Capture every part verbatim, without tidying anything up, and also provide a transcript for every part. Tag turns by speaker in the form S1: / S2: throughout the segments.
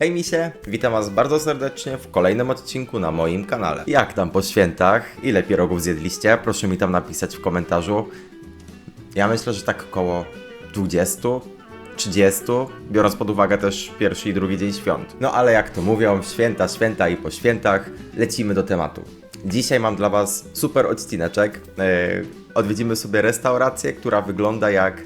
S1: Hej misie, witam was bardzo serdecznie w kolejnym odcinku na moim kanale. Jak tam po świętach? Ile pierogów zjedliście? Proszę mi tam napisać w komentarzu. Ja myślę, że tak około dwudziestu, trzydziestu, biorąc pod uwagę też pierwszy i drugi dzień świąt. No ale jak to mówią, święta, święta i po świętach, lecimy do tematu. Dzisiaj mam dla was super odcineczek. Yy, odwiedzimy sobie restaurację, która wygląda jak...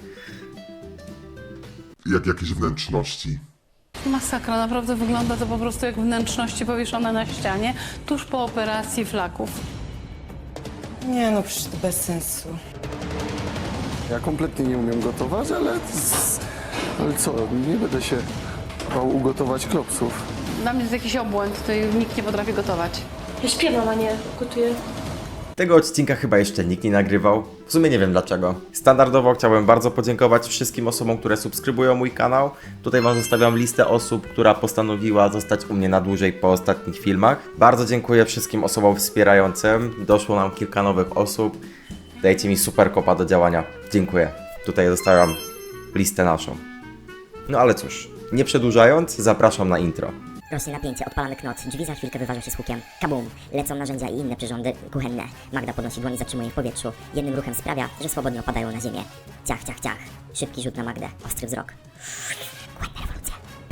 S2: jak jakieś wnętrzności.
S3: Masakra, naprawdę wygląda to po prostu jak wnętrzności powieszone na ścianie tuż po operacji flaków.
S4: Nie no, przecież to bez sensu.
S5: Ja kompletnie nie umiem gotować, ale, ale co, nie będę się bał ugotować klopsów.
S3: Dla mnie to jest jakiś obłęd, tutaj nikt nie potrafi gotować.
S6: Ja śpiewam, a nie gotuję.
S1: Tego odcinka chyba jeszcze nikt nie nagrywał. W sumie nie wiem dlaczego. Standardowo chciałbym bardzo podziękować wszystkim osobom, które subskrybują mój kanał. Tutaj wam zostawiam listę osób, która postanowiła zostać u mnie na dłużej po ostatnich filmach. Bardzo dziękuję wszystkim osobom wspierającym. Doszło nam kilka nowych osób. Dajcie mi super kopa do działania. Dziękuję. Tutaj zostawiam listę naszą. No ale cóż, nie przedłużając, zapraszam na intro.
S7: Rośnie napięcie, odpalamy knot, drzwi za chwilkę wyważą się z hukiem. Kabum! Lecą narzędzia i inne przyrządy kuchenne. Magda podnosi dłoń i zatrzymuje je w powietrzu. Jednym ruchem sprawia, że swobodnie opadają na ziemię. Ciach, ciach, ciach. Szybki rzut na Magdę. Ostry wzrok. Błędna rewolucja.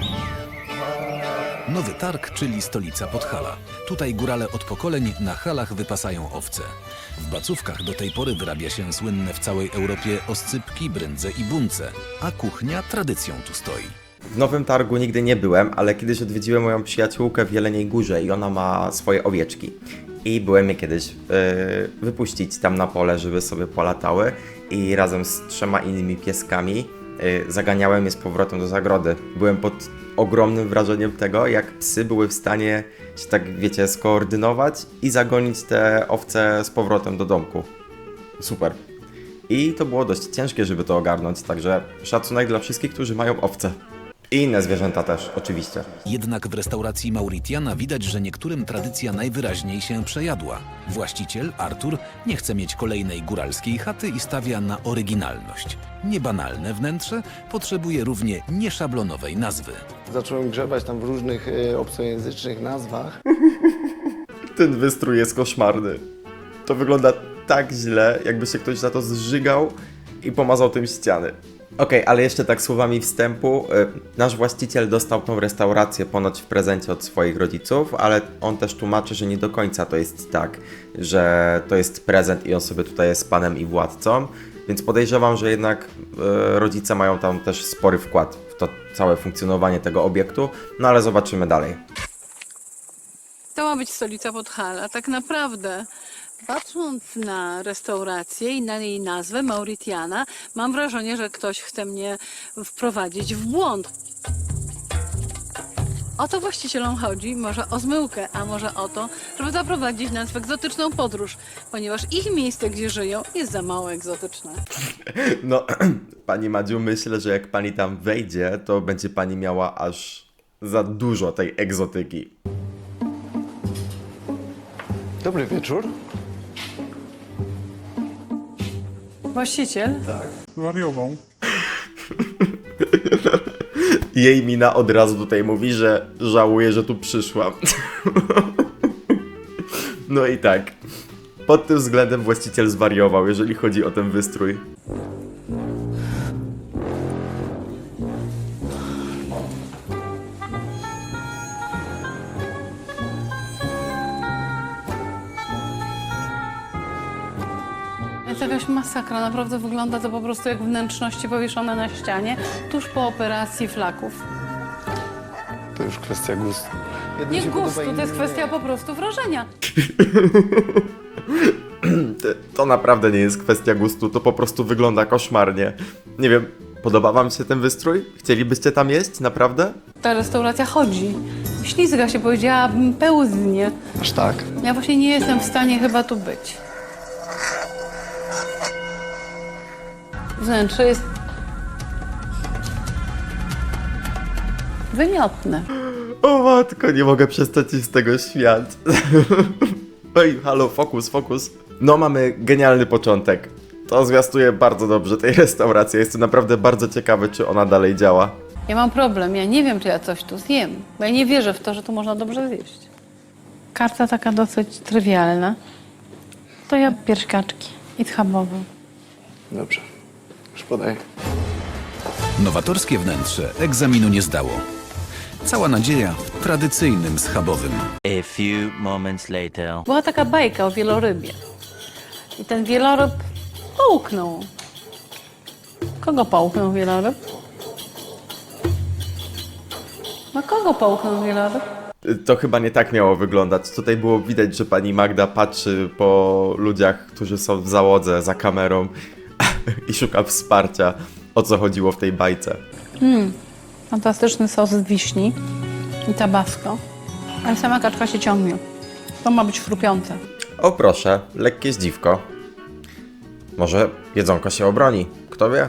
S8: Nowy Targ, czyli stolica Podhala. Tutaj górale od pokoleń na halach wypasają owce. W placówkach do tej pory wyrabia się słynne w całej Europie oscypki, brędze i bunce, a kuchnia tradycją tu stoi.
S1: W Nowym Targu nigdy nie byłem, ale kiedyś odwiedziłem moją przyjaciółkę w Jeleniej Górze i ona ma swoje owieczki. I byłem je kiedyś yy, wypuścić tam na pole, żeby sobie polatały i razem z trzema innymi pieskami yy, zaganiałem je z powrotem do zagrody. Byłem pod ogromnym wrażeniem tego, jak psy były w stanie się tak, wiecie, skoordynować i zagonić te owce z powrotem do domku. Super. I to było dość ciężkie, żeby to ogarnąć, także szacunek dla wszystkich, którzy mają owce. I inne zwierzęta też, oczywiście.
S8: Jednak w restauracji Mauritiana widać, że niektórym tradycja najwyraźniej się przejadła. Właściciel, Artur, nie chce mieć kolejnej góralskiej chaty i stawia na oryginalność. Niebanalne wnętrze potrzebuje równie nieszablonowej nazwy.
S5: Zacząłem grzebać tam w różnych e, obcojęzycznych nazwach.
S1: Ten wystrój jest koszmarny. To wygląda tak źle, jakby się ktoś na to zżygał i pomazał tym ściany. Okej, okay, ale jeszcze tak słowami wstępu, yy, nasz właściciel dostał tą restaurację ponoć w prezencie od swoich rodziców, ale on też tłumaczy, że nie do końca to jest tak, że to jest prezent i on sobie tutaj jest panem i władcą, więc podejrzewam, że jednak yy, rodzice mają tam też spory wkład w to całe funkcjonowanie tego obiektu, no ale zobaczymy dalej.
S3: To ma być stolica Podhala, tak naprawdę. Patrząc na restaurację i na jej nazwę Mauritiana, mam wrażenie, że ktoś chce mnie wprowadzić w błąd. O to właścicielom chodzi, może o zmyłkę, a może o to, żeby zaprowadzić nas w egzotyczną podróż, ponieważ ich miejsce, gdzie żyją, jest za mało egzotyczne.
S1: No, pani Madziu, myślę, że jak pani tam wejdzie, to będzie pani miała aż za dużo tej egzotyki.
S5: Dobry wieczór.
S3: Właściciel?
S9: Wariował.
S1: Jej mina od razu tutaj mówi, że żałuje, że tu przyszłam. No i tak. Pod tym względem właściciel zwariował, jeżeli chodzi o ten wystrój.
S3: Jest jakaś masakra, naprawdę wygląda to po prostu jak wnętrzności powieszone na ścianie tuż po operacji flaków.
S5: To już kwestia gustu. Jednym
S3: Nie
S5: się
S3: gustu,
S5: podoba,
S3: to jest
S5: innym
S3: kwestia po prostu wrażenia.
S1: To naprawdę nie jest kwestia gustu, to po prostu wygląda koszmarnie. Nie wiem, podoba wam się ten wystrój? Chcielibyście tam jeść? Naprawdę?
S3: Ta restauracja chodzi. Ślizga się, powiedziałabym, pełznie.
S5: nie. Aż tak?
S3: Ja właśnie nie jestem w stanie chyba tu być. Wnętrze jest wymiotne.
S1: O matko, nie mogę przestać się z tego śmiać. Oj, halo, fokus, fokus. No, mamy genialny początek. To zwiastuje bardzo dobrze tej restauracji. Jestem naprawdę bardzo ciekawy, czy ona dalej działa.
S3: Ja mam problem, ja nie wiem, czy ja coś tu zjem, bo ja nie wierzę w to, że tu można dobrze zjeść. Karta taka dosyć trywialna. To ja pierś kaczki i schabowy.
S5: Dobrze, już podaję.
S8: Nowatorskie wnętrze egzaminu nie zdało. Cała nadzieja w tradycyjnym schabowym.
S2: A few moments later.
S3: Była taka bajka o wielorybie. I ten wieloryb połknął. Kogo połknął wieloryb? No kogo połknął wieloryb?
S1: To chyba nie tak miało wyglądać. Tutaj było widać, że pani Magda patrzy po ludziach, którzy są w załodze za kamerą i szuka wsparcia, o co chodziło w tej bajce.
S3: Fantastyczny sos z wiśni i tabasco. Ale sama kaczka się ciągnie. To ma być chrupiące.
S1: O proszę, lekkie zdziwko. Może jedzonko się obroni, kto wie?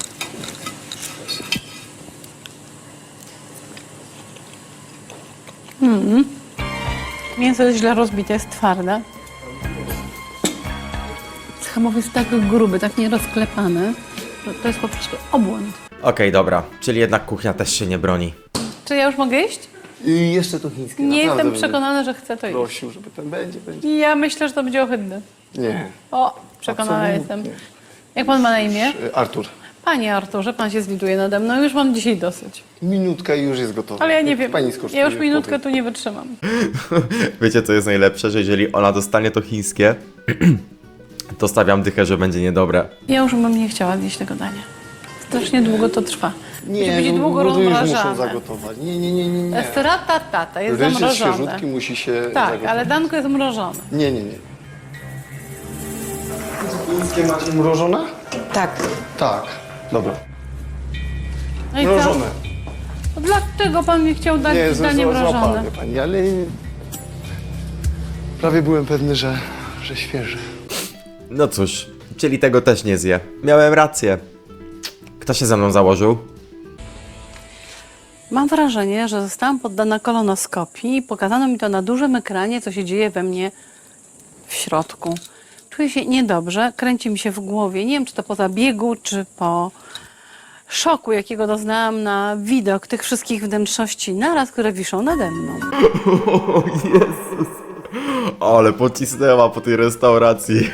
S3: Mięso jest źle rozbite, jest twarde. Schabowy jest tak gruby, tak nierozklepany, że to jest po prostu obłęd.
S1: Okej, dobra, czyli jednak kuchnia też się nie broni.
S3: Czy ja już mogę iść?
S5: I jeszcze to chińskie.
S3: Nie
S5: naprawdę
S3: jestem
S5: będę
S3: przekonana, że chcę to iść.
S5: Prosił, żeby ten będzie, będzie.
S3: Ja myślę, że to będzie ohydne.
S5: Nie.
S3: O, przekonana
S5: Absolutnie.
S3: jestem. Jak pan ma na imię?
S5: Y, Artur,
S3: Panie Arturze, pan się zlituje nade mną, już mam dzisiaj dosyć.
S5: minutka i już jest gotowa.
S3: Ale ja nie
S5: Jak
S3: wiem,
S5: Pani skosztuje,
S3: ja już minutkę
S5: potem.
S3: tu nie wytrzymam.
S1: Wiecie, co jest najlepsze? Że jeżeli ona dostanie to chińskie, to stawiam dychę, że będzie niedobre.
S3: Ja już bym nie chciała zjeść tego dania. Strasznie długo to trwa. Musi być
S5: no,
S3: długo
S5: bo to już muszą
S3: rozmrażane.
S5: zagotować. Nie, nie, nie, nie. nie.
S3: Jest ratatata, jest
S5: Ryż z
S3: zamrożone.
S5: świeżutki musi się
S3: Tak,
S5: zagotować.
S3: ale danko jest mrożone.
S5: Nie, nie, nie. Chińskie macie mrożone?
S4: Tak.
S5: Tak. Dobra.
S3: No i co?
S5: Mrożone.
S3: To dlaczego pan mi chciał dać
S5: Nie,
S3: danie mrożone?
S5: złapany pani, ale prawie byłem pewny, że, że świeży.
S1: No cóż, czyli tego też nie zje. Miałem rację. Kto się ze mną założył?
S3: Mam wrażenie, że zostałam poddana kolonoskopii i pokazano mi to na dużym ekranie, co się dzieje we mnie w środku. Czuję się niedobrze, kręci mi się w głowie. Nie wiem, czy to po zabiegu, czy po szoku, jakiego doznałam na widok tych wszystkich wnętrzności naraz, które wiszą nade mną.
S1: O Jezus. Ale pocisnęła po tej restauracji.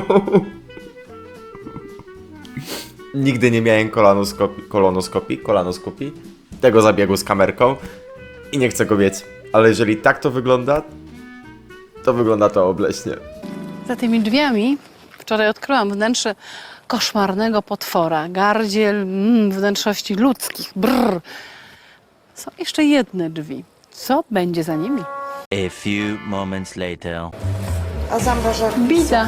S1: Nigdy nie miałem kolonoskopii, kolonoskopii, kolonoskopii, tego zabiegu z kamerką i nie chcę go mieć. Ale jeżeli tak to wygląda, to wygląda to obleśnie.
S3: Za tymi drzwiami wczoraj odkryłam wnętrze koszmarnego potwora. Gardziel, mm, wnętrzności ludzkich. Brrr. Są jeszcze jedne drzwi. Co będzie za nimi?
S2: A few moments later.
S4: A zamrażarka?
S3: Bida.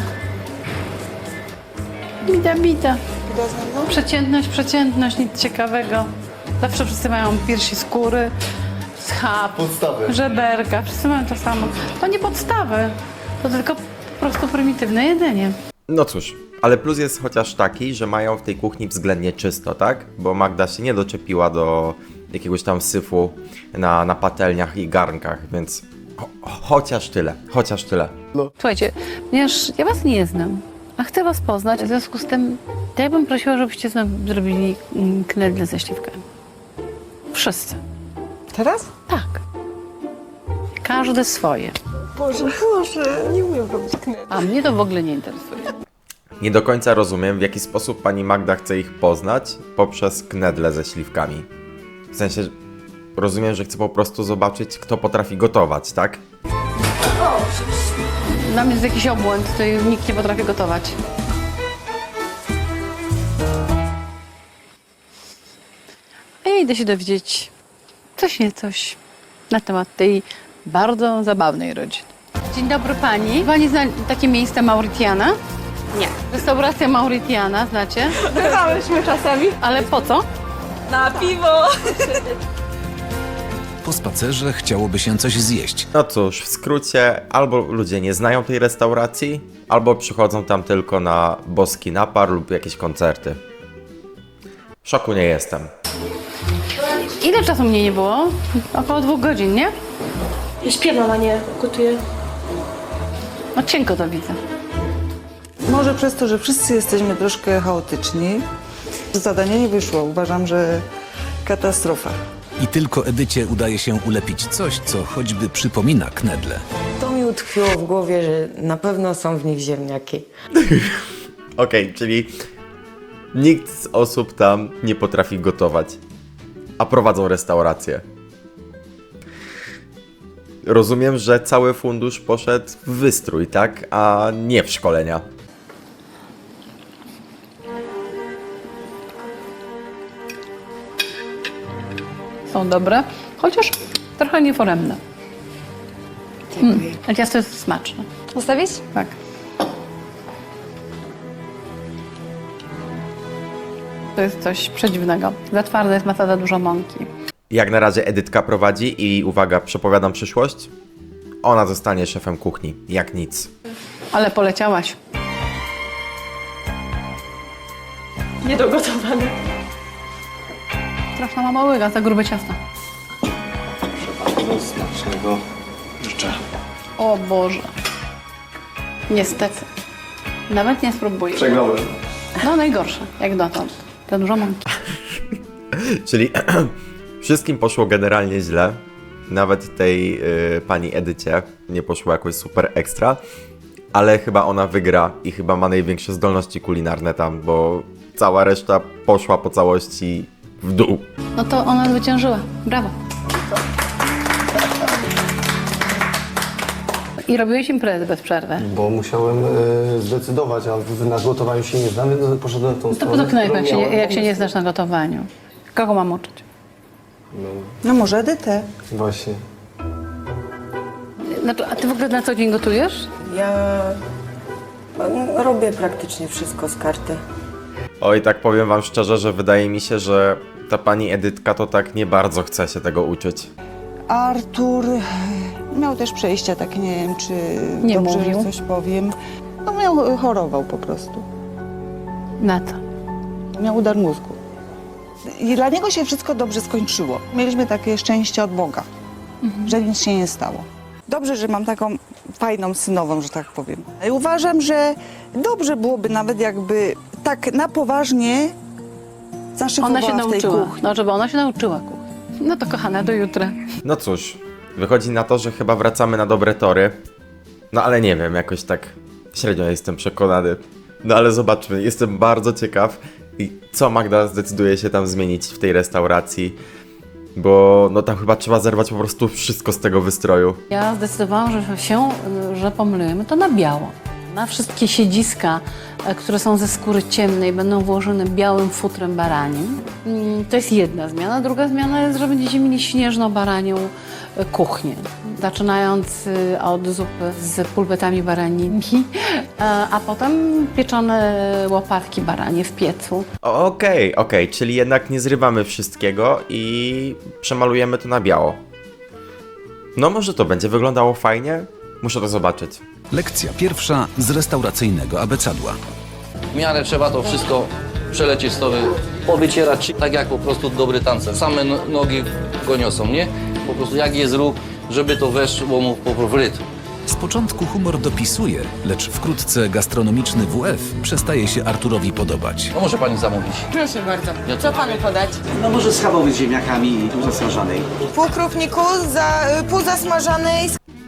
S3: Bida, bida.
S4: Bida z mną?
S3: Przeciętność, przeciętność, nic ciekawego. Zawsze wszyscy mają piersi skóry, schab,
S5: Podstawy.
S3: żeberka. Wszyscy mają to samo. To nie podstawy. To tylko po prostu prymitywne jedzenie.
S1: No cóż, ale plus jest chociaż taki, że mają w tej kuchni względnie czysto, tak? Bo Magda się nie doczepiła do jakiegoś tam syfu na, na patelniach i garnkach, więc cho chociaż tyle, chociaż tyle.
S3: Słuchajcie, ponieważ ja was nie znam, a chcę was poznać, w związku z tym to ja bym prosiła, żebyście z nami zrobili mm, knedle ze śliwkami. Wszyscy.
S4: Teraz?
S3: Tak. Każdy swoje.
S4: Boże, Boże, nie umiem robić knedli.
S3: A mnie to w ogóle nie interesuje.
S1: Nie do końca rozumiem, w jaki sposób pani Magda chce ich poznać poprzez knedle ze śliwkami. W sensie, rozumiem, że chce po prostu zobaczyć, kto potrafi gotować, tak?
S3: Dla mnie jest jakiś obłęd, tutaj nikt nie potrafi gotować. A ja idę się dowiedzieć coś nie coś na temat tej bardzo zabawnej rodziny. Dzień dobry pani. Pani zna takie miejsce Mauritiana?
S6: Nie.
S3: Restauracja Mauritiana, znacie?
S6: Bywałyśmy czasami.
S3: Ale po co?
S6: Na piwo.
S8: Po spacerze chciałoby się coś zjeść.
S1: No cóż, w skrócie, albo ludzie nie znają tej restauracji, albo przychodzą tam tylko na boski napar lub jakieś koncerty. W szoku nie jestem.
S3: Ile czasu mnie nie było? Około dwóch godzin, nie?
S6: Ja śpiewam, a nie gotuję.
S3: No cienko to widzę.
S9: Może przez to, że wszyscy jesteśmy troszkę chaotyczni. Zadanie nie wyszło. Uważam, że katastrofa.
S8: I tylko Edycie udaje się ulepić coś, co choćby przypomina knedle.
S4: To mi utkwiło w głowie, że na pewno są w nich ziemniaki.
S1: Okej, czyli nikt z osób tam nie potrafi gotować, a prowadzą restaurację. Rozumiem, że cały fundusz poszedł w wystrój, tak? A nie w szkolenia.
S3: Są dobre, chociaż trochę nieforemne. Mm, a ciasto jest smaczne.
S6: Zostawić?
S3: Tak. To jest coś przedziwnego. Za twarde jest masa, za dużo mąki.
S1: Jak na razie Edytka prowadzi i uwaga, przepowiadam przyszłość. Ona zostanie szefem kuchni, jak nic.
S3: Ale poleciałaś.
S6: Niedogotowane.
S3: Straszna mama łyga, za grube ciasto.
S5: Smacznego życzę.
S3: O Boże. Niestety. Nawet nie spróbuję.
S5: Przegrałem.
S3: No najgorsze, jak dotąd. Za dużo mąki.
S1: Czyli wszystkim poszło generalnie źle. Nawet tej y, pani Edycie nie poszło jakoś super ekstra. Ale chyba ona wygra i chyba ma największe zdolności kulinarne tam, bo cała reszta poszła po całości w dół.
S3: No to ona zwyciężyła. Brawo. I robiłeś imprezy bez przerwy.
S5: Bo musiałem y, zdecydować, a na gotowaniu się nie znam, więc poszedłem w tą
S3: To
S5: stronę.
S3: po co knajpę, jak się, nie,
S5: którą
S3: jak się
S5: miałem
S3: nie znasz na gotowaniu? Kogo mam uczyć?
S9: No może Edytę.
S5: Właśnie.
S3: Znaczy, a ty w ogóle na co dzień gotujesz?
S4: Ja no, robię praktycznie wszystko z karty.
S1: Oj, tak powiem wam szczerze, że wydaje mi się, że ta pani Edytka to tak nie bardzo chce się tego uczyć.
S9: Artur miał też przejścia takie, nie wiem, czy
S3: Nie
S9: dobrze
S3: mówił.
S9: coś powiem. No miał, chorował po prostu.
S3: Na co?
S9: Miał udar mózgu. I dla niego się wszystko dobrze skończyło. Mieliśmy takie szczęście od Boga, że nic się nie stało. Dobrze, że mam taką fajną synową, że tak powiem. I uważam, że dobrze byłoby nawet jakby tak na poważnie zaszykowała
S3: Ona się
S9: w tej
S3: nauczyła.
S9: kuchni.
S3: No, żeby ona się nauczyła kuchni. No to kochana, do jutra.
S1: No cóż, wychodzi na to, że chyba wracamy na dobre tory. No ale nie wiem, jakoś tak średnio jestem przekonany. No ale zobaczmy, jestem bardzo ciekaw, i co Magda zdecyduje się tam zmienić w tej restauracji. Bo no tam chyba trzeba zerwać po prostu wszystko z tego wystroju.
S3: Ja zdecydowałam, że się, że pomyliłem to na biało. Na wszystkie siedziska, e, które są ze skóry ciemnej, będą włożone białym futrem baranim. Mm, To jest jedna zmiana. Druga zmiana jest, że będziecie mieli śnieżno-baranią e, kuchnię. Zaczynając y, od zupy z pulpetami baranimi, e, a potem pieczone łopatki baranie w piecu.
S1: Okej, okej, czyli jednak nie zrywamy wszystkiego i przemalujemy to na biało. No może to będzie wyglądało fajnie? Muszę to zobaczyć.
S8: Lekcja pierwsza z restauracyjnego abecadła.
S10: W miarę trzeba to wszystko przelecieć stoły, powycierać, tak jak po prostu dobry tancer. Same no- nogi go niosą, nie? Po prostu jak jest ruch, żeby to weszło mu po prostu w rytm.
S8: Z początku humor dopisuje, lecz wkrótce gastronomiczny W F przestaje się Arturowi podobać.
S10: No może pani zamówić.
S4: Proszę bardzo. Co panu podać?
S11: No może schabowy z ziemniakami i pół zasmażanej.
S4: Pół krówniku, za, pół zasmażanej.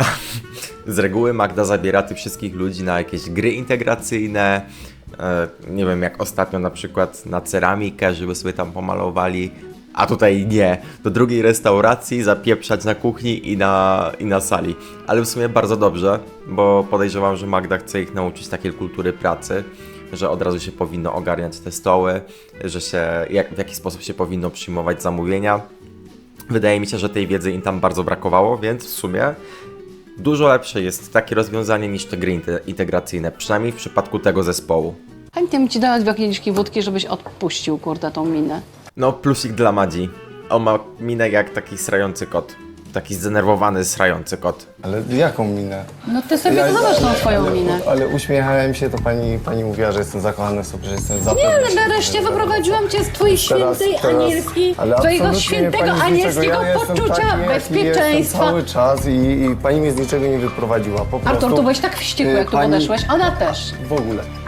S1: Z reguły Magda zabiera tych wszystkich ludzi na jakieś gry integracyjne. E, nie wiem, jak ostatnio na przykład na ceramikę, żeby sobie tam pomalowali. A tutaj nie. Do drugiej restauracji zapieprzać na kuchni i na, i na sali. Ale w sumie bardzo dobrze, bo podejrzewam, że Magda chce ich nauczyć takiej kultury pracy, że od razu się powinno ogarniać te stoły, że się, jak, w jaki sposób się powinno przyjmować zamówienia. Wydaje mi się, że tej wiedzy im tam bardzo brakowało, więc w sumie dużo lepsze jest takie rozwiązanie niż te gry inte- integracyjne, przynajmniej w przypadku tego zespołu.
S3: Chętnie bym ci dała dwie kieliszki wódki, żebyś odpuścił, kurde, tą minę.
S1: No plusik dla Madzi. On ma minę jak taki srający kot. Taki zdenerwowany, srający kot.
S5: Ale jaką minę?
S3: No ty sobie
S5: Ja-
S3: zobacz tą swoją
S5: ale,
S3: minę.
S5: Ale uśmiechałem się, to pani, pani mówiła, że jestem zakochany w sobie, że jestem zapewne.
S3: Nie, ale nareszcie wyprowadziłam cię z twojej świętej anielskiej,
S5: ale
S3: twojego
S5: absolutnie
S3: świętego
S5: pani z niczego,
S3: anielskiego
S5: ja jestem
S3: poczucia
S5: taki, jaki
S3: bezpieczeństwa.
S5: Jestem cały czas i, i pani mnie z niczego nie wyprowadziła. Po prostu,
S3: Artur, tu byłeś tak wściekły, jak tu
S5: Pani-
S3: podeszłeś, ona też.
S5: W ogóle.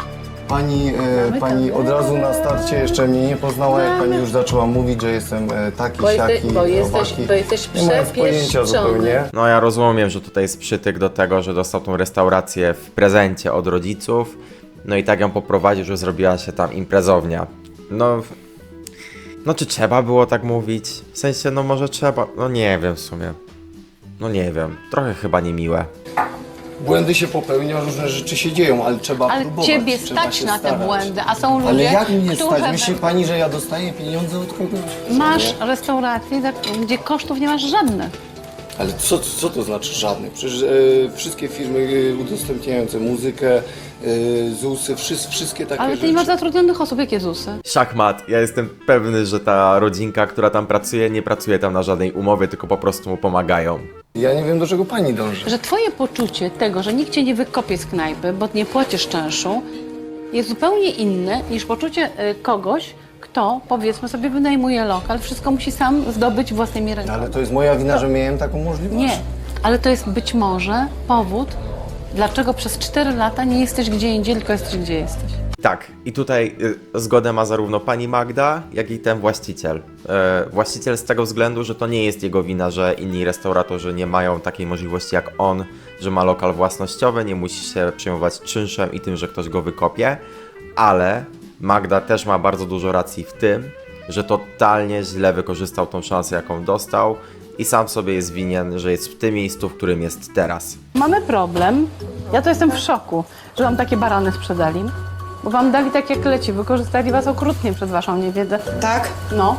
S5: Pani, e, pani od razu na starcie jeszcze mnie nie poznała, jak pani już zaczęła mówić, że jestem e, taki,
S3: Bo,
S5: siaki,
S3: jeste, bo, jesteś,
S5: owaki.
S3: bo jesteś
S5: Nie mając pojęcia
S3: przepieszczony.
S5: zupełnie.
S1: No ja rozumiem, że tutaj jest przytyk do tego, że dostał tą restaurację w prezencie od rodziców. No i tak ją poprowadził, że zrobiła się tam imprezownia. No... No czy trzeba było tak mówić? W sensie, no może trzeba... No nie wiem w sumie. No nie wiem. Trochę chyba niemiłe.
S5: Błędy się popełnia, różne rzeczy się dzieją, ale trzeba
S3: Ale
S5: próbować.
S3: ciebie
S5: trzeba
S3: stać
S5: się
S3: na te
S5: starać.
S3: błędy, a są ludzie,
S5: Ale jak mnie
S3: którzy...
S5: stać? Myśli pani, że ja dostaję pieniądze od kogoś?
S3: Masz restaurację, gdzie kosztów nie masz żadnych.
S5: Ale co, co to znaczy żadnych? Przecież e, wszystkie firmy e, udostępniające muzykę, e, zusy, wszys, wszystkie takie
S3: Ale ty
S5: rzeczy.
S3: nie masz zatrudnionych osób, jakie zusy?
S1: Szachmat. Ja jestem pewny, że ta rodzinka, która tam pracuje, nie pracuje tam na żadnej umowie, tylko po prostu mu pomagają.
S5: Ja nie wiem, do czego pani dąży.
S3: Że twoje poczucie tego, że nikt cię nie wykopie z knajpy, bo nie płacisz czynszu, jest zupełnie inne niż poczucie y, kogoś, kto, powiedzmy sobie, wynajmuje lokal, wszystko musi sam zdobyć własnymi rękami.
S5: Ale to jest moja wina, że miałem taką możliwość.
S3: Nie, ale to jest być może powód, dlaczego przez cztery lata nie jesteś gdzie indziej, tylko jesteś gdzie jesteś.
S1: Tak, i tutaj y, zgodę ma zarówno pani Magda, jak i ten właściciel. E, właściciel z tego względu, że to nie jest jego wina, że inni restauratorzy nie mają takiej możliwości jak on, że ma lokal własnościowy, nie musi się przejmować czynszem i tym, że ktoś go wykopie, ale Magda też ma bardzo dużo racji w tym, że totalnie źle wykorzystał tą szansę, jaką dostał i sam sobie jest winien, że jest w tym miejscu, w którym jest teraz.
S3: Mamy problem, ja to jestem w szoku, że wam takie barany sprzedali, bo wam dali tak jak leci, wykorzystali was okrutnie przez waszą niewiedzę.
S4: Tak?
S3: No.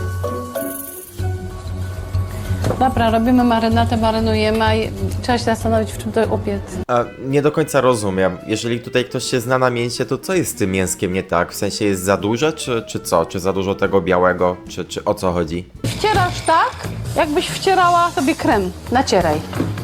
S3: Dobra, robimy marynatę, marynujemy, a je- trzeba się zastanowić, w czym to upiec.
S1: A nie do końca rozumiem. Jeżeli tutaj ktoś się zna na mięsie, to co jest z tym mięskiem nie tak? W sensie jest za duże, czy, czy co? Czy za dużo tego białego, czy, czy o co chodzi?
S3: Wcierasz tak, jakbyś wcierała sobie krem. Nacieraj.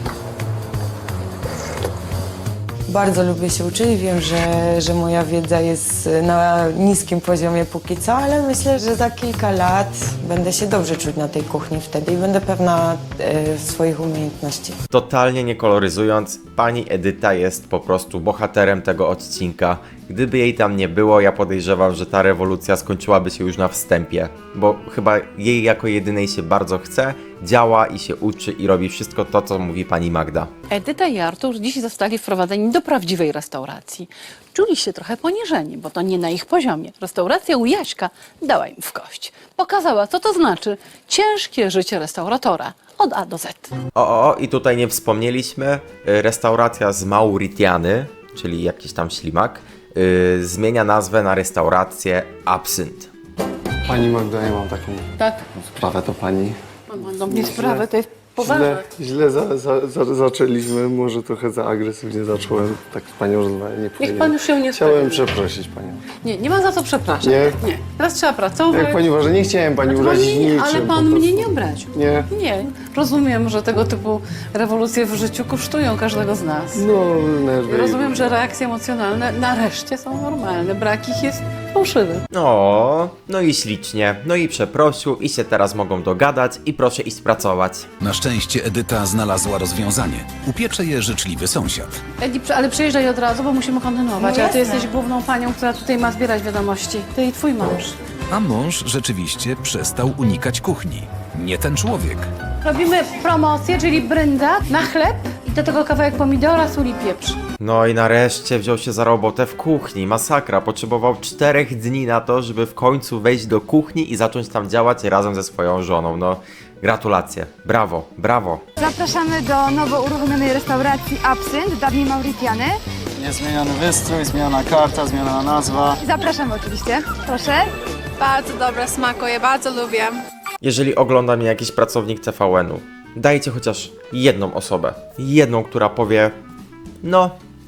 S4: Bardzo lubię się uczyć. Wiem, że, że moja wiedza jest na niskim poziomie póki co, ale myślę, że za kilka lat będę się dobrze czuć na tej kuchni wtedy i będę pewna e, swoich umiejętności.
S1: Totalnie nie koloryzując, pani Edyta jest po prostu bohaterem tego odcinka. Gdyby jej tam nie było, ja podejrzewam, że ta rewolucja skończyłaby się już na wstępie. Bo chyba jej jako jedynej się bardzo chce, działa i się uczy i robi wszystko to, co mówi pani Magda.
S3: Edyta i Artur dziś zostali wprowadzeni do prawdziwej restauracji. Czuli się trochę poniżeni, bo to nie na ich poziomie. Restauracja u Jaśka dała im w kość. Pokazała, co to znaczy ciężkie życie restauratora. Od A do Z.
S1: O, o, o, i tutaj nie wspomnieliśmy, y, restauracja z Mauritiany, czyli jakiś tam ślimak, y, zmienia nazwę na restaurację Absynt.
S5: Pani Magda, ja mam taką
S3: Tak?
S5: sprawę do pani.
S3: Mam do mnie sprawę, to jest poważne.
S5: Źle, źle za, za, za, zaczęliśmy, może trochę za agresywnie zacząłem. Tak z panią rozmawiać nie
S3: Niech
S5: powinien.
S3: pan już się nie
S5: Chciałem
S3: stanie.
S5: przeprosić panią.
S3: Nie, nie ma za co przepraszać.
S5: Nie?
S3: Nie. Teraz trzeba pracować.
S5: Jak pani uważa, nie chciałem pani
S3: Znaczy, pan
S5: urazić
S3: mnie nie,
S5: niczym.
S3: ale
S5: po
S3: pan
S5: prostu.
S3: mnie nie obraził.
S5: Nie.
S3: Nie. Rozumiem, że tego typu rewolucje w życiu kosztują każdego z nas.
S5: No, nerwy.
S3: Rozumiem, że reakcje emocjonalne nareszcie są normalne. Brak ich jest fałszywy.
S1: O, no i ślicznie, no i przeprosił i się teraz mogą dogadać i proszę iść pracować.
S8: Na szczęście Edyta znalazła rozwiązanie. Upiecze je życzliwy sąsiad.
S3: Edi, przy- ale przyjeżdżaj od razu, bo musimy kontynuować.
S4: No
S3: a ty
S4: jasne.
S3: jesteś główną panią, która tutaj ma zbierać wiadomości. Ty i twój mąż.
S8: A mąż rzeczywiście przestał unikać kuchni. Nie ten człowiek.
S3: Robimy promocję, czyli brynda na chleb i do tego kawałek pomidora, sól i pieprz.
S1: No i nareszcie wziął się za robotę w kuchni, masakra, potrzebował czterech dni na to, żeby w końcu wejść do kuchni i zacząć tam działać razem ze swoją żoną, no gratulacje, brawo, brawo.
S12: Zapraszamy do nowo uruchomionej restauracji Absynt, dawniej Mauritiany.
S11: Jest zmieniony wystrój, zmieniona karta, zmieniona nazwa.
S12: Zapraszamy oczywiście. Proszę.
S6: Bardzo dobre, smakuje, bardzo lubię.
S1: Jeżeli ogląda mnie jakiś pracownik T V N-u, dajcie chociaż jedną osobę, jedną, która powie, no,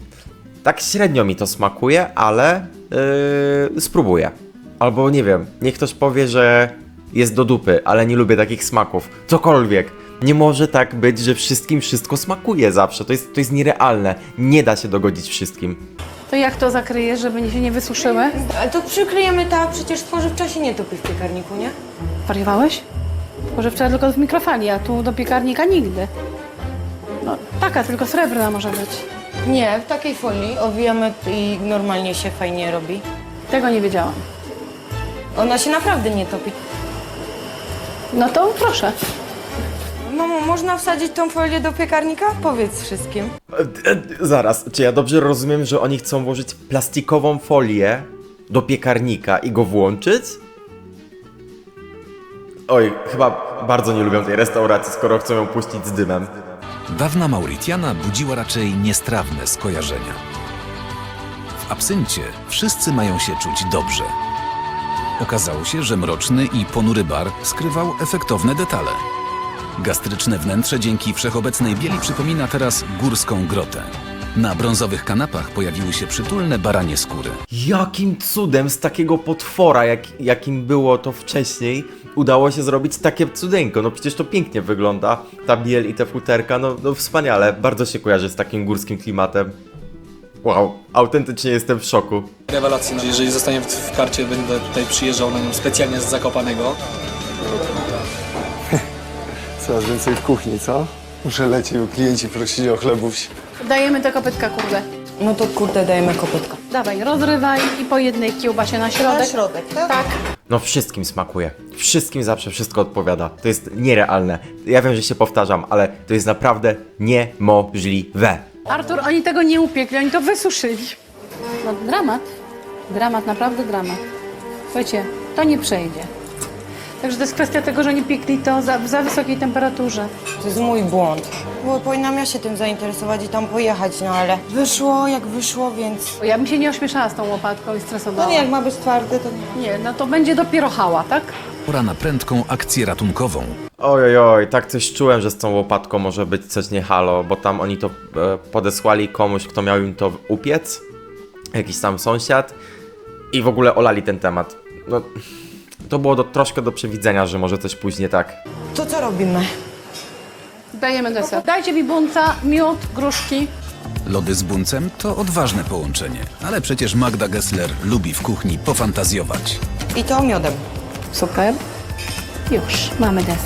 S1: tak średnio mi to smakuje, ale yy, spróbuję. Albo nie wiem, niech ktoś powie, że jest do dupy, ale nie lubię takich smaków, cokolwiek. Nie może tak być, że wszystkim wszystko smakuje zawsze, to jest, to jest nierealne, nie da się dogodzić wszystkim.
S3: To jak to zakryjesz, żeby się nie wysuszyły?
S4: Ale to przykryjemy tak, przecież spożywcza się nie topi w piekarniku, nie?
S3: Wariowałeś? Spożywcza tylko w mikrofali, a tu do piekarnika nigdy. No, taka, tylko srebrna może być.
S4: Nie, w takiej folii owijamy i normalnie się fajnie robi.
S3: Tego nie wiedziałam.
S4: Ona się naprawdę nie topi.
S3: No to proszę.
S4: Mamo, można wsadzić tą folię do piekarnika? Powiedz wszystkim.
S1: E, e, zaraz, czy ja dobrze rozumiem, że oni chcą włożyć plastikową folię do piekarnika i go włączyć? Oj, chyba bardzo nie lubią tej restauracji, skoro chcą ją puścić z dymem.
S8: Dawna Mauritiana budziła raczej niestrawne skojarzenia. W absyncie wszyscy mają się czuć dobrze. Okazało się, że mroczny i ponury bar skrywał efektowne detale. Gastryczne wnętrze dzięki wszechobecnej bieli przypomina teraz górską grotę. Na brązowych kanapach pojawiły się przytulne baranie skóry.
S1: Jakim cudem z takiego potwora, jak, jakim było to wcześniej, udało się zrobić takie cudeńko? No przecież to pięknie wygląda, ta biel i te futerka, no, no wspaniale, bardzo się kojarzy z takim górskim klimatem. Wow, autentycznie jestem w szoku.
S11: Rewelacyjna. Jeżeli zostanie w, w karcie, będę tutaj przyjeżdżał na nią specjalnie z Zakopanego.
S5: Coraz więcej w kuchni, co? Muszę lecieć, bo klienci prosili o chlebów.
S3: Dajemy te kopytka, kurde.
S4: No to kurde, dajemy kopytka.
S3: Dawaj, rozrywaj i po jednej kiełbasie na środek.
S4: Na środek, tak?
S3: Tak.
S1: No wszystkim smakuje, wszystkim zawsze wszystko odpowiada, to jest nierealne. Ja wiem, że się powtarzam, ale to jest naprawdę niemożliwe.
S3: Artur, oni tego nie upiekli, oni to wysuszyli. No dramat. Dramat, naprawdę dramat. Słuchajcie, to nie przejdzie. Także to jest kwestia tego, że nie piekli to za, w za wysokiej temperaturze.
S4: To jest mój błąd. Bo powinnam ja się tym zainteresować i tam pojechać, no ale wyszło jak wyszło, więc...
S3: Ja bym się nie ośmieszała z tą łopatką i stresowała.
S4: No nie, jak ma być twardy, to nie.
S3: Nie, no to będzie dopiero hała, tak?
S8: Pora na prędką akcję ratunkową.
S1: Oj, oj, oj, tak coś czułem, że z tą łopatką może być coś nie halo, bo tam oni to e, podesłali komuś, kto miał im to upiec, jakiś tam sąsiad i w ogóle olali ten temat. No, to było do, troszkę do przewidzenia, że może coś później tak.
S4: To co robimy?
S3: Dajemy deser. Dajcie mi bunca, miód, gruszki.
S8: Lody z buncem to odważne połączenie, ale przecież Magda Gessler lubi w kuchni pofantazjować.
S4: I to miodem.
S3: Super. Już, mamy deser.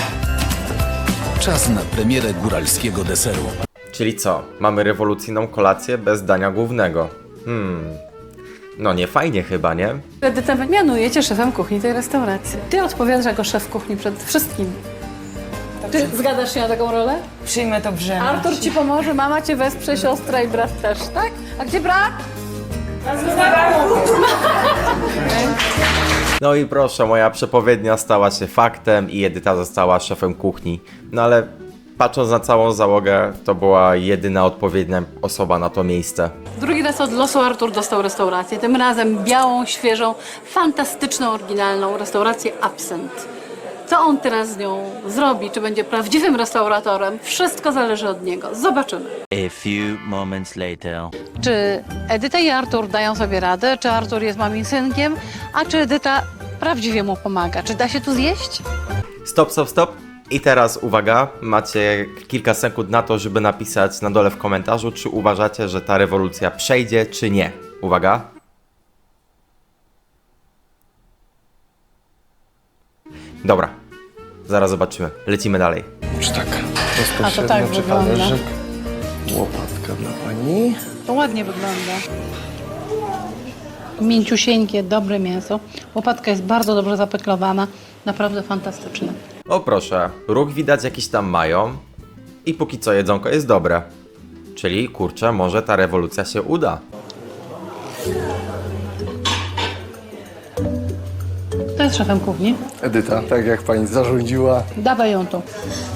S8: Czas na premierę góralskiego deseru.
S1: Czyli co? Mamy rewolucyjną kolację bez dania głównego. Hmm. No nie fajnie chyba, nie?
S3: Edytę mianujecie szefem kuchni tej restauracji. Ty odpowiadasz jako szef kuchni przed wszystkim. Ty zgadzasz się na taką rolę?
S4: Przyjmę to brzemię.
S3: Artur ci pomoże, mama cię wesprze, siostra i brat też, tak? A gdzie brat?
S1: No i proszę, moja przepowiednia stała się faktem i Edyta została szefem kuchni. No ale patrząc na całą załogę, to była jedyna odpowiednia osoba na to miejsce.
S3: Drugi raz od losu Artur dostał restaurację, tym razem białą, świeżą, fantastyczną, oryginalną restaurację Absent. Co on teraz z nią zrobi, czy będzie prawdziwym restauratorem, wszystko zależy od niego. Zobaczymy.
S2: A few moments later.
S3: Czy Edyta i Artur dają sobie radę, czy Artur jest mamim synkiem, a czy Edyta prawdziwie mu pomaga? Czy da się tu zjeść?
S1: Stop, stop, stop. I teraz uwaga, macie kilka sekund na to, żeby napisać na dole w komentarzu, czy uważacie, że ta rewolucja przejdzie, czy nie. Uwaga. Dobra, zaraz zobaczymy. Lecimy dalej.
S5: Czy tak?
S3: A to tak
S5: czy
S3: wygląda.
S5: talerzyk? Łopatka dla pani.
S3: To ładnie wygląda. Mięciusieńkie, dobre mięso. Łopatka jest bardzo dobrze zapeklowana. Naprawdę fantastyczne.
S1: O proszę, ruch widać jakiś tam mają i póki co jedzonko jest dobre. Czyli kurczę, może ta rewolucja się uda.
S3: To jest szefem kuchni.
S5: Edyta, tak jak pani zarządziła.
S3: Dawaj ją tu.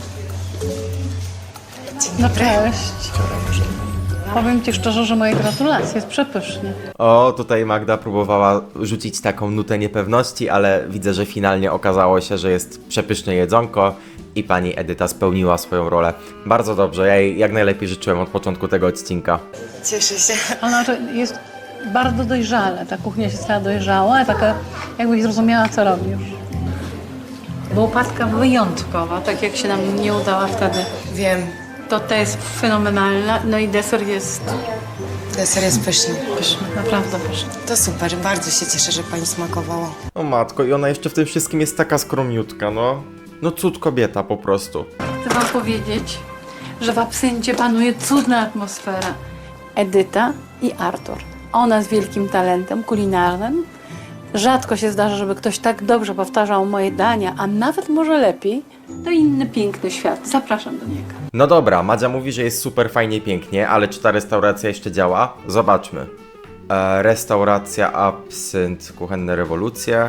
S3: No cześć. Powiem ci szczerze, że moje gratulacje, jest przepysznie.
S1: O, tutaj Magda próbowała rzucić taką nutę niepewności, ale widzę, że finalnie okazało się, że jest przepyszne jedzonko i pani Edyta spełniła swoją rolę. Bardzo dobrze, ja jej jak najlepiej życzyłem od początku tego odcinka.
S4: Cieszę się.
S3: Ona jest bardzo dojrzale, ta kuchnia się stała dojrzała, taka jakbyś zrozumiała, co robi już. Bo łopatka wyjątkowa, tak jak się nam nie udała wtedy.
S4: Wiem.
S3: To ta jest fenomenalna, no i deser jest
S4: Deser jest pyszny.
S3: pyszny, naprawdę pyszny.
S4: To super, bardzo się cieszę, że pani smakowała.
S1: O matko, i ona jeszcze w tym wszystkim jest taka skromniutka, no. No cud kobieta po prostu.
S3: Chcę wam powiedzieć, że w Absyncie panuje cudna atmosfera. Edyta i Artur. Ona z wielkim talentem kulinarnym. Rzadko się zdarza, żeby ktoś tak dobrze powtarzał moje dania, a nawet może lepiej. To inny piękny świat. Zapraszam do niego.
S1: No dobra, Madzia mówi, że jest super fajnie, pięknie, ale czy ta restauracja jeszcze działa? Zobaczmy. E, restauracja Absynt, kuchenne rewolucje.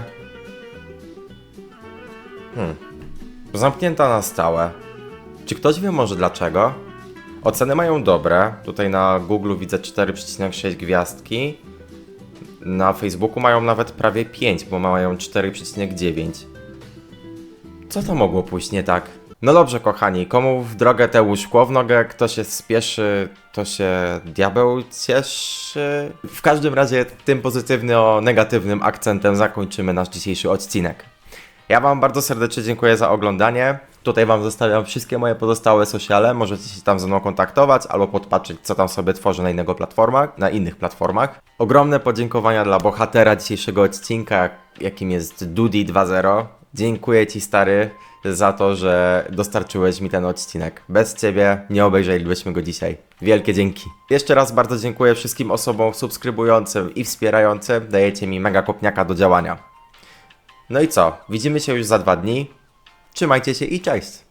S1: Hmm. Zamknięta na stałe. Czy ktoś wie może dlaczego? Oceny mają dobre. Tutaj na Google widzę cztery przecinek sześć gwiazdki. Na Facebooku mają nawet prawie pięć, bo mają cztery przecinek dziewięć. Co to mogło pójść nie tak? No dobrze, kochani, komu w drogę tę szkło w nogę, kto się spieszy, to się diabeł cieszy. W każdym razie tym pozytywno-negatywnym akcentem zakończymy nasz dzisiejszy odcinek. Ja wam bardzo serdecznie dziękuję za oglądanie. Tutaj wam zostawiam wszystkie moje pozostałe sociale, możecie się tam ze mną kontaktować albo podpatrzeć, co tam sobie tworzę na innego platformach, na innych platformach. Ogromne podziękowania dla bohatera dzisiejszego odcinka, jakim jest Dudi dwa zero. Dziękuję ci, stary, za to, że dostarczyłeś mi ten odcinek. Bez ciebie nie obejrzelibyśmy go dzisiaj. Wielkie dzięki. Jeszcze raz bardzo dziękuję wszystkim osobom subskrybującym i wspierającym. Dajecie mi mega kopniaka do działania. No i co? Widzimy się już za dwa dni. Trzymajcie się i cześć!